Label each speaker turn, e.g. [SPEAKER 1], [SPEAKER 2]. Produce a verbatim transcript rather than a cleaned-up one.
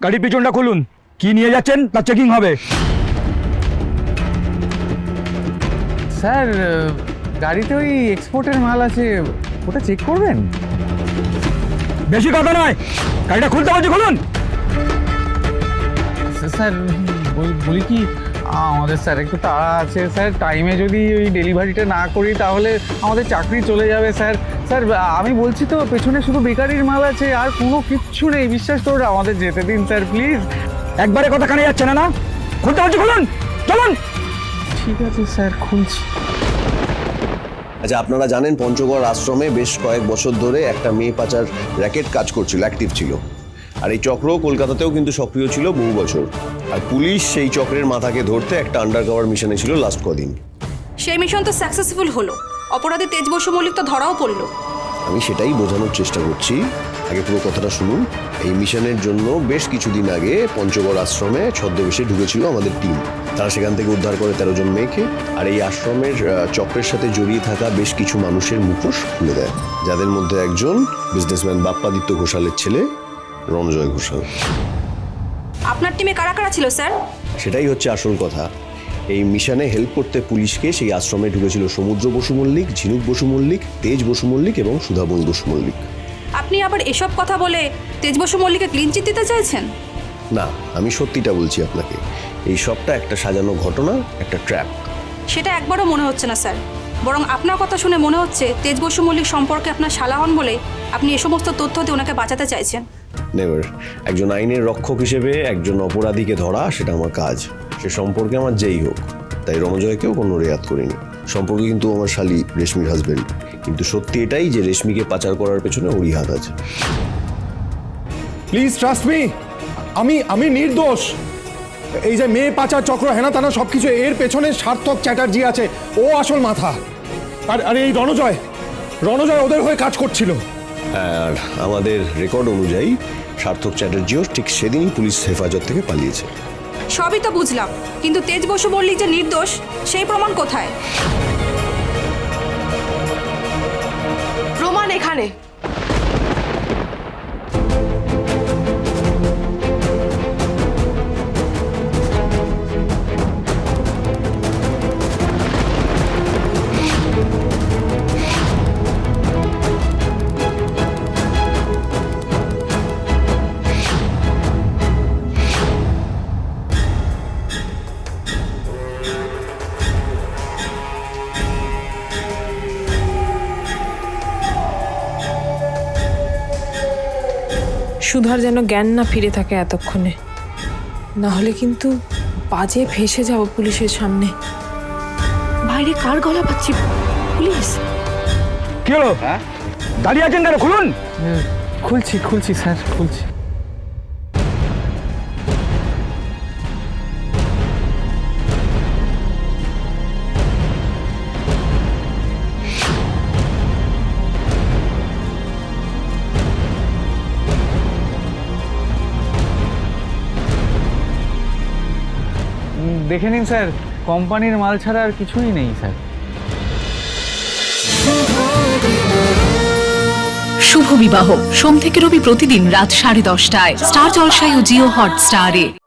[SPEAKER 1] গাড়ির পিছনটা খুলুন, কি নিয়ে যাচ্ছেন তা চেকিং হবে।
[SPEAKER 2] স্যার গাড়িতে ওই এক্সপোর্টের মাল আছে, ওটা চেক করবেন?
[SPEAKER 1] বেশি কথা নয়, গাড়িটা খুলতে বলছি, খুলুন।
[SPEAKER 2] স্যার বলি কি, আমাদের স্যার একটু তাড়া আছে স্যার, টাইমে যদি ওই ডেলিভারিটা না করি তাহলে আমাদের চাকরি চলে যাবে স্যার। স্যার আমি বলছি তো, পেছনে শুধু বেকারির মাল আছে, আর কোনো কিচ্ছু নেই, বিশ্বাস করুন, আমাদের যেতে দিন স্যার প্লিজ।
[SPEAKER 1] একবারে কথা কানে যাচ্ছে না না, খুলতে বলছি, খুলুন, চলুন।
[SPEAKER 2] ঠিক আছে স্যার, খুলছি।
[SPEAKER 3] আচ্ছা, আপনারা জানেন পঞ্চগড় আশ্রমে বেশ কয়েক বছর ধরে একটা মেয়ে পাচার র্যাকেট কাজ করছিল, অ্যাক্টিভ ছিল। আর এই চক্র কলকাতাতেও কিন্তু সক্রিয় ছিল বহু বছর। আর পুলিশ সেই চক্রের মাথাকে ধরতে একটা আন্ডারকভার মিশনে ছিল লাস্ট কদিন।
[SPEAKER 4] সেই মিশন তো সাকসেসফুল হলো, অপরাধী তেজ বসু মল্লিক তো ধরাও পড়লো।
[SPEAKER 3] আমি সেটাই বোঝানোর চেষ্টা করছি, আগে পুরো কথাটা শুনুন। এই মিশনের জন্য বেশ কিছুদিন আগে পঞ্চগড় আশ্রমে ছদ্মবেশে ঢুকেছিল আমাদের টিম। তারা সেখান থেকে উদ্ধার করে তেরো জন মেয়েকে, আর এই আশ্রমের চক্রের সাথে জড়িয়ে থাকা বেশ কিছু মানুষের মুখোশ খুলে দেয়, যাদের মধ্যে একজন বিজনেসম্যান বাপ্পাদিত্য ঘোষালের ছেলে রণজয় ঘোষাল।
[SPEAKER 4] আপনার টিমে কারা কারা ছিল স্যার?
[SPEAKER 3] সেটাই হচ্ছে আসল কথা। এই মিশনে হেল্প করতে পুলিশকে সেই আশ্রমে ঢুকেছিল সমুদ্র বসু মল্লিক, ঝিনুক বসু মল্লিক, তেজ বসু মল্লিক এবং সুধাময়ী বসু মল্লিক।
[SPEAKER 4] আপনি আবার এসব কথা বলে তেজ বসু মল্লিককে ক্লিন চিট দিতে চাইছেন?
[SPEAKER 3] না, আমি সত্যিটা বলছি আপনাকে, এই সবটা একটা সাজানো ঘটনা, একটা ট্র্যাপ।
[SPEAKER 4] সেটা একবারও মনে হচ্ছে না স্যার, বরং আপনার কথা শুনে মনে হচ্ছে তেজ বসু মল্লিক সম্পর্কে আপনার শালা হন বলে আপনি এ সমস্ত তথ্য দিয়ে ওনাকে বাঁচাতে চাইছেন।
[SPEAKER 3] নেভার। একজন আইনের রক্ষক হিসেবে একজন অপরাধীকে ধরা সেটা আমার কাজ, সে সম্পর্কে আমার যেই হোক। তাই রণজয়কেও কোনো রেয়াত করিনি। সম্পর্কে কিন্তু আমার শালি রেশমির হাজবেন্ড, কিন্তু সত্যি এটাই যে রেশমিকে পাচার করার পেছনে ওরই হাত আছে।
[SPEAKER 5] প্লিজ ট্রাস্ট মি, আমি আমি নির্দোষ। এই যে মেয়ে পাচার চক্র হেনা তানা সবকিছু, এর পেছনে সার্থক চ্যাটার্জি আছে, ও আসল মাথা। আর আর এই রণজয় রণজয় ওদের হয়ে কাজ করছিল।
[SPEAKER 3] আর আমাদের রেকর্ড অনুযায়ী সার্থক চ্যাটার্জিও ঠিক সেদিনই পুলিশ হেফাজত থেকে পালিয়েছে।
[SPEAKER 4] সবই তো বুঝলাম, কিন্তু তেজ বসু মল্লিক যে নির্দোষ সেই প্রমাণ কোথায়?
[SPEAKER 6] প্রমাণ এখানে।
[SPEAKER 7] সুধার যেন জ্ঞান না ফিরে থাকে এতক্ষণে, না হলে কিন্তু বাজে ফেসে যাব পুলিশের সামনে। বাইরে কার গলা পাচ্ছি? পুলিশ।
[SPEAKER 1] কি হলো, দাঁড়িয়ে আছেন কেন, খুলুন।
[SPEAKER 2] খুলছি খুলছি স্যার, খুলছি। দেখে নিন স্যার, কোম্পানির মাল ছাড়া আর কিছুই নেই স্যার।
[SPEAKER 8] শুভ বিবাহ সোম থেকে রবি প্রতিদিন রাত সাড়ে দশটায় স্টার জলসায় ও জিও হটস্টারে।